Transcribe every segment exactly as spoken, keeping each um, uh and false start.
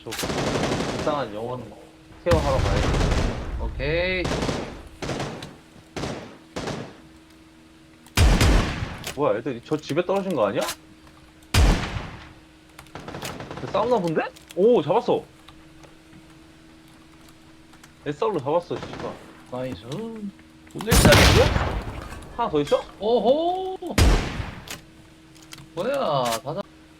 저 이상한 영혼 케어하러 가야지. 오케이. 뭐야, 애들 저 집에 떨어진 거 아니야? 싸우나 본데? 오, 잡았어. 에스알로 잡았어, 씨발. 나이스. 오늘 시작이야? 하나 더 있어? 오호. 뭐야, 다다.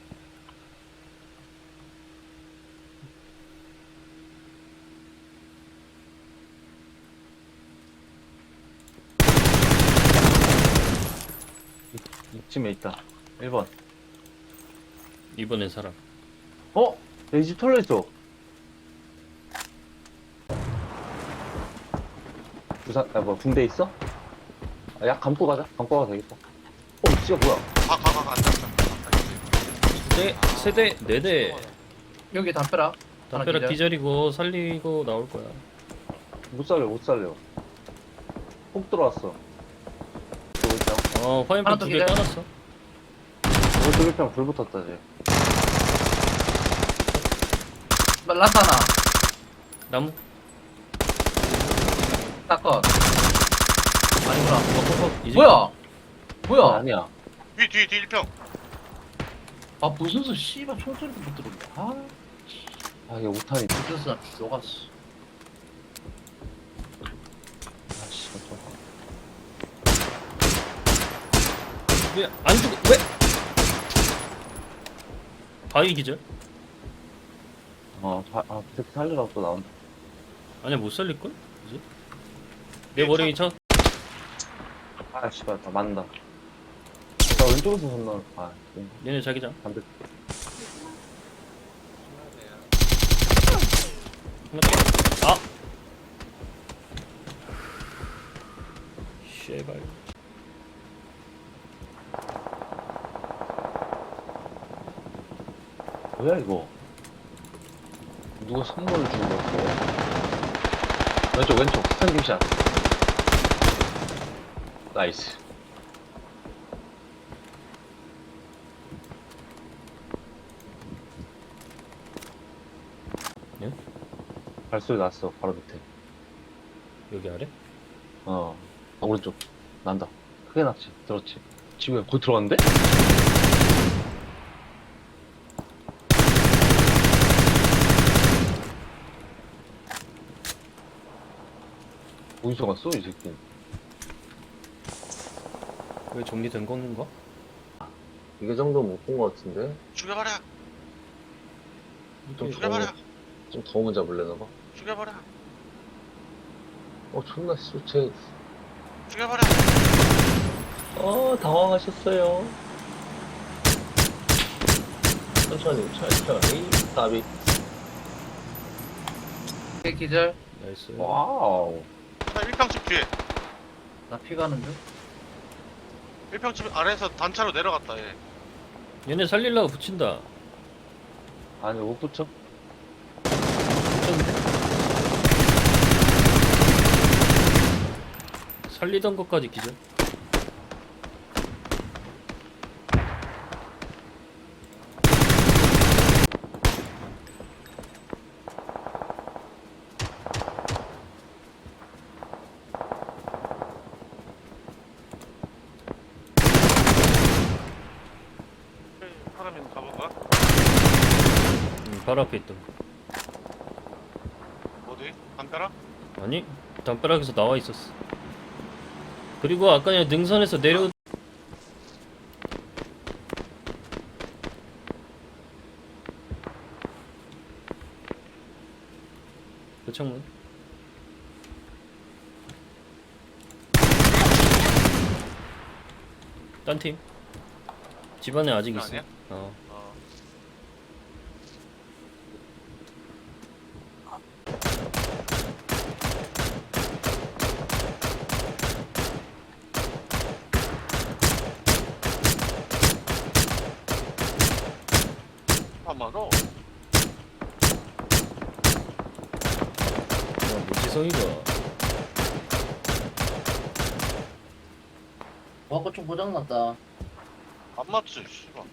이쯤에 있다. 일 번. 이번엔 사람. 어? 내 집 털려 있어. 부산, 아, 뭐, 군대 있어? 아, 약 감고 가자. 감고 가도 되겠다. 어, 진짜 뭐야? 가, 가, 가, 가, 앉아, 앉아. 세, 세대, 네 대. 여기 담벼락. 하나 담벼락 기절. 기절이고 살리고 나올 거야. 못 살려, 못 살려. 폭 들어왔어. 저기 있다. 어, 화염병 하나 더 두 개 기절. 까놨어. 저기 쪽에 불 붙었다, 쟤. 라타나. 나무. 사건. 아니구나. 퍽퍽퍽. 이제 뭐야? 아, 뭐야? 아니야. 뒤, 뒤, 뒤, 일 평. 아, 무슨 씨발 총소리도 못 들었네. 아, 아, 이게 오탄이. 무슨 나 죽어갔어. 아, 씨, 저. 왜안 죽어? 왜? 바위 기절? 어, 자, 아, 그 새끼 살리라고 또 나온다. 아니야 못 살릴걸? 이제? 내 머리 쳐. 아, 씨발, 나 맞는다. 나 왼쪽에서 건너, 아, 네. 얘네 자기장. 반대. 하나 더. 아. 쉐발. 뭐야, 이거? 누가 선물을 주는 거 같아. 왼쪽, 왼쪽, 스탠딩샷. 나이스. 예? 발소리 났어, 바로 밑에. 여기 아래? 어, 아, 오른쪽. 난다. 크게 났지. 들었지. 집에 곧 들어갔는데? 어디서 갔어, 이 새끼? 왜 정리된 건가? 이게 정도 못 본 거 같은데? 죽여버려. 좀 죽여버려. 좀 더우면 잡을래나 봐. 죽여버려. 어, 존나 씨, 쟤. 죽여버려. 어, 당황하셨어요. 천천히, 천천히. 나비. 오케이, 기절. 나이스. 와우. 나 일 평집 뒤에. 나 피 가는 중. 일 평집 아래에서 단차로 내려갔다, 얘. 얘네 살릴라고 붙인다. 아니, 못 붙여? 붙였는데? 살리던 것까지 기절. 사람이 가볼까? 음, 바로 앞에 있던 거. 어디? 담벼락? 아니, 담벼락에서 나와 있었어. 그리고 아까 그냥 능선에서 내려. 그 창문. 딴 팀. 집안에 아직 있어. 아니야? 어. 어. 아마도 야, 무지성이가. 와거 좀 고장났다. 안 맞지, 씨발.